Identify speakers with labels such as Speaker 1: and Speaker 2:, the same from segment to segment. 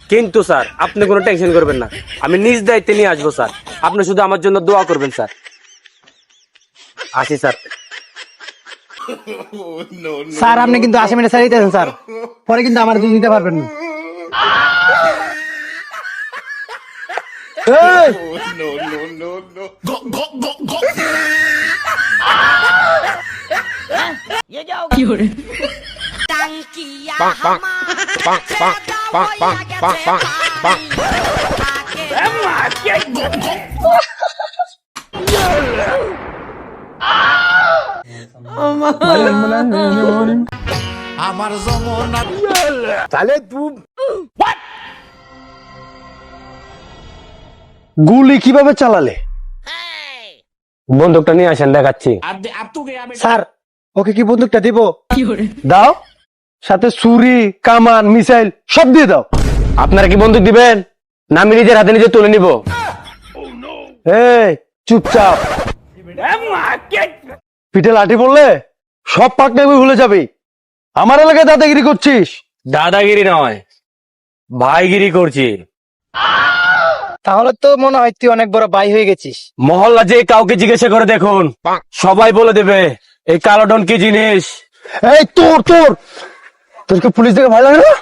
Speaker 1: কিন্তু স্যার আপনি কোনো টেনশন করবেন না, আমি নিজ দায়িত্বে নিয়ে আসবো স্যার। আপনি শুধু আমার জন্য দোয়া করবেন স্যার। আসি স্যার।
Speaker 2: স্যার আপনি কিন্তু আসামিটা ছেড়ে দিতেছেন স্যার, পরে কিন্তু আমার দিতে পারবেন না। এই!
Speaker 3: আমার যমুনা
Speaker 2: তাহলে তুই গুলি কিভাবে চালালে?
Speaker 1: বন্দুকটা নিয়ে আসেন, দেখাচ্ছি।
Speaker 2: স্যার ওকে কি বন্দুকটা দিব? দাও, সাথে ছুরি কামান মিসাইল সব দিয়ে দাও।
Speaker 1: আপনারা কি বন্দুক দিবেন না আমি নিজের হাতে নিজে তুলে নিব?
Speaker 2: এই চুপচাপ, পিঠে লাঠি পড়লে সব পাকনামি ভুলে যাবি। আমার এলাকায় দাদাগিরি করছিস?
Speaker 1: দাদাগিরি নয়, ভাইগিরি করছি।
Speaker 2: তাহলে তো মনে হয় তুই অনেক বড় ভাই হয়ে গেছিস।
Speaker 1: মহল্লা যে কাউকে জিজ্ঞাসা করে দেখুন, সবাই বলে দেবে এই কালো ডন কি জিনিস।
Speaker 2: এই তোর তোর তোরকে পুলিশ দেখে ভয় লাগে না?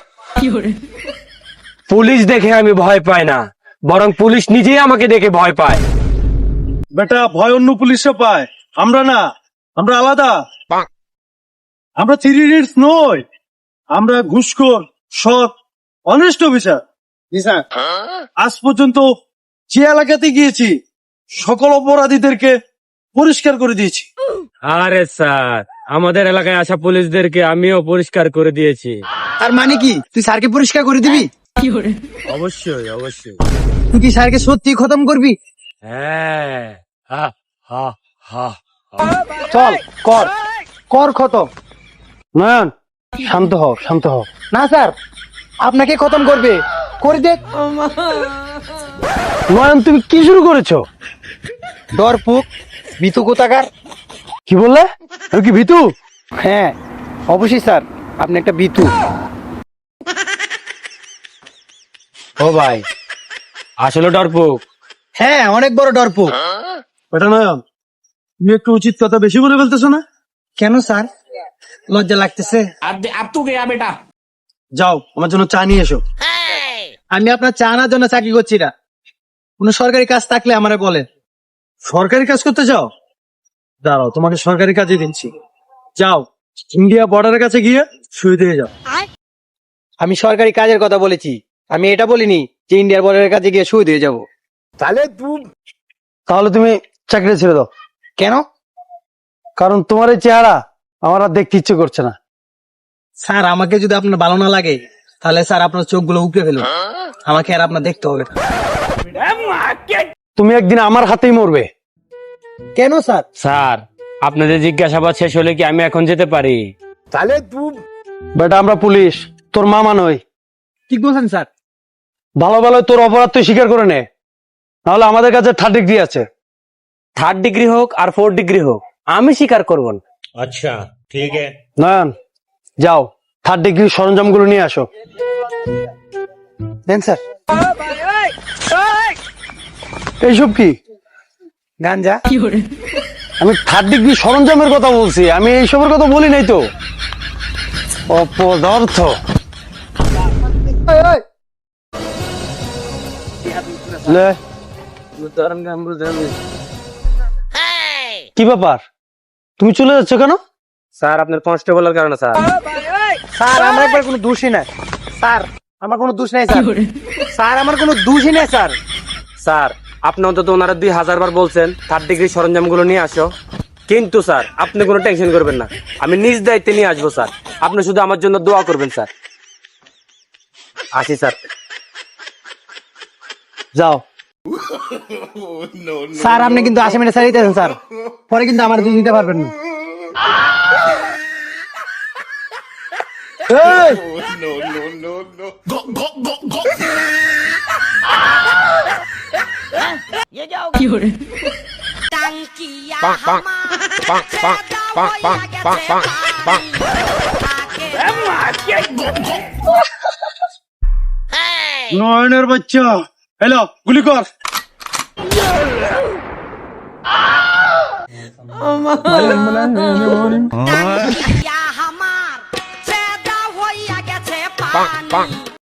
Speaker 1: পুলিশ দেখে আমি ভয় পাই না, বরং পুলিশ নিজেই আমাকে দেখে ভয় পায়।
Speaker 4: বেটা ভয় অন্য পুলিশে পায়, আমরা না, আমরা আলাদা। আমরা 3 ইডিয়টস নই, আমরা ঘুষখোর সৎ অনেস্ট অফিসার। আজ পর্যন্ত যে এলাকাতে গিয়েছি সকল অপরাধীদেরকে পরিষ্কার করে দিয়েছি।
Speaker 1: আরে স্যার, আমাদের এলাকায় আসা পুলিশদেরকে আমিও পরিষ্কার করে দিয়েছি।
Speaker 2: আর মানে কি তুই স্যারকে পরিষ্কার করে দিবি?
Speaker 1: অবশ্যই অবশ্যই।
Speaker 2: তুই কি স্যারকে সত্যি খতম করবি?
Speaker 1: হ্যাঁ, হা হা হা।
Speaker 2: চল কর কর খতম। নয়ন শান্ত হও, শান্ত হও। না স্যার, আপনাকে খতম করবে, করে দেখ।
Speaker 4: নয়ন তুমি কি শুরু করেছো?
Speaker 2: ডরপুক ভিতু কোথাকার।
Speaker 4: কি বললে? আমি কি ভিতু?
Speaker 2: হ্যাঁ অবশ্যই স্যার, আপনি একটা ভিতু।
Speaker 1: ও ভাই, আসলে ডরপুক।
Speaker 2: হ্যাঁ অনেক বড় ডরপুক।
Speaker 4: বেটা নয়ন, তুমি একটু উচিত কথা বেশি বলে ফেলতেছো না?
Speaker 2: কেন স্যার, লজ্জা লাগতেছে?
Speaker 4: যাও আমার জন্য চা নিয়ে এসো।
Speaker 2: আমি আপনার চা আনার জন্য চাকরি করছি না, কোনো সরকারি কাজ থাকলে আমারে বলেন।
Speaker 4: সরকারি কাজ করতে যাও? দাঁড়াও, তোমাকে সরকারি কাজে দিচ্ছি। যাও ইন্ডিয়া বর্ডারের কাছে গিয়ে শুয়ে দিয়ে যাও।
Speaker 2: আমি সরকারি কাজের কথা বলেছি, আমি এটা বলিনি যে ইন্ডিয়ার বর্ডারের কাছে গিয়ে শুয়ে দিয়ে যাবো।
Speaker 4: তাহলে তুমি চাকরি ছেড়ে দাও।
Speaker 2: কেন?
Speaker 4: কারণ তোমার এই চেহারা আমার আর দেখতে ইচ্ছে করছে না।
Speaker 2: স্যার আমাকে যদি আপনার ভালো না লাগে তাহলে স্যার আপনার চোখগুলো উপড়ে ফেলুন, আমাকে আর আপনার দেখতে হবে না।
Speaker 4: তুমি একদিন আমার হাতেই মরবে।
Speaker 2: কেন স্যার?
Speaker 1: স্যার, আপনাদের জিজ্ঞাসাবাদ শেষ হলে কি আমি এখন যেতে পারি?
Speaker 4: বেটা আমরা পুলিশ, তোর মামা নই।
Speaker 2: ঠিক বলছেন স্যার।
Speaker 4: ভালো ভালো তোর অপরাধ তুই স্বীকার করে নে, নাহলে আমাদের কাছে 3rd ডিগ্রি আছে।
Speaker 1: 3rd ডিগ্রি হোক আর 4th ডিগ্রি হোক, আমি স্বীকার করব না।
Speaker 4: নয়ন যাও 3rd ডিগ্রির সরঞ্জামগুলো নিয়ে আসো।
Speaker 2: দেন স্যার।
Speaker 4: এইসব কি?
Speaker 2: গাঞ্জা।
Speaker 4: আমি 3rd ডিগ্রি সরঞ্জামের কথা বলছি, আমি এইসবের কথা বলি নাই তো। অপদার্থ। লে, কি ব্যাপার, তুমি চলে যাচ্ছ কেন?
Speaker 1: স্যার আপনার কনস্টেবলের কারণে স্যার।
Speaker 2: স্যার আমার একবার কোনো দোষই নাই স্যার, আমার কোনো দোষ নাই স্যার। স্যার আমার কোনো দোষই নাই স্যার।
Speaker 1: স্যার আপনি অন্তত ওনারা 2000 বার বলছেন 3rd ডিগ্রি সরঞ্জামগুলো নিয়ে আসো, কিন্তু স্যার আপনি কোনো টেনশন করবেন না, আমি নিজ দায়িত্বে নিয়ে আসবো স্যার। আপনি শুধু আমার জন্য দোয়া করবেন স্যার। আসি স্যার।
Speaker 4: যাও।
Speaker 2: স্যার আপনি কিন্তু আসামিটা ছেড়ে দিতেছেন স্যার, পরে কিন্তু আমার দিতে পারবেন না।
Speaker 4: এই! নয়নের বাচ্চা হ্যালো গুলি কর
Speaker 5: আমার চেদা হইয়া গেছে পানি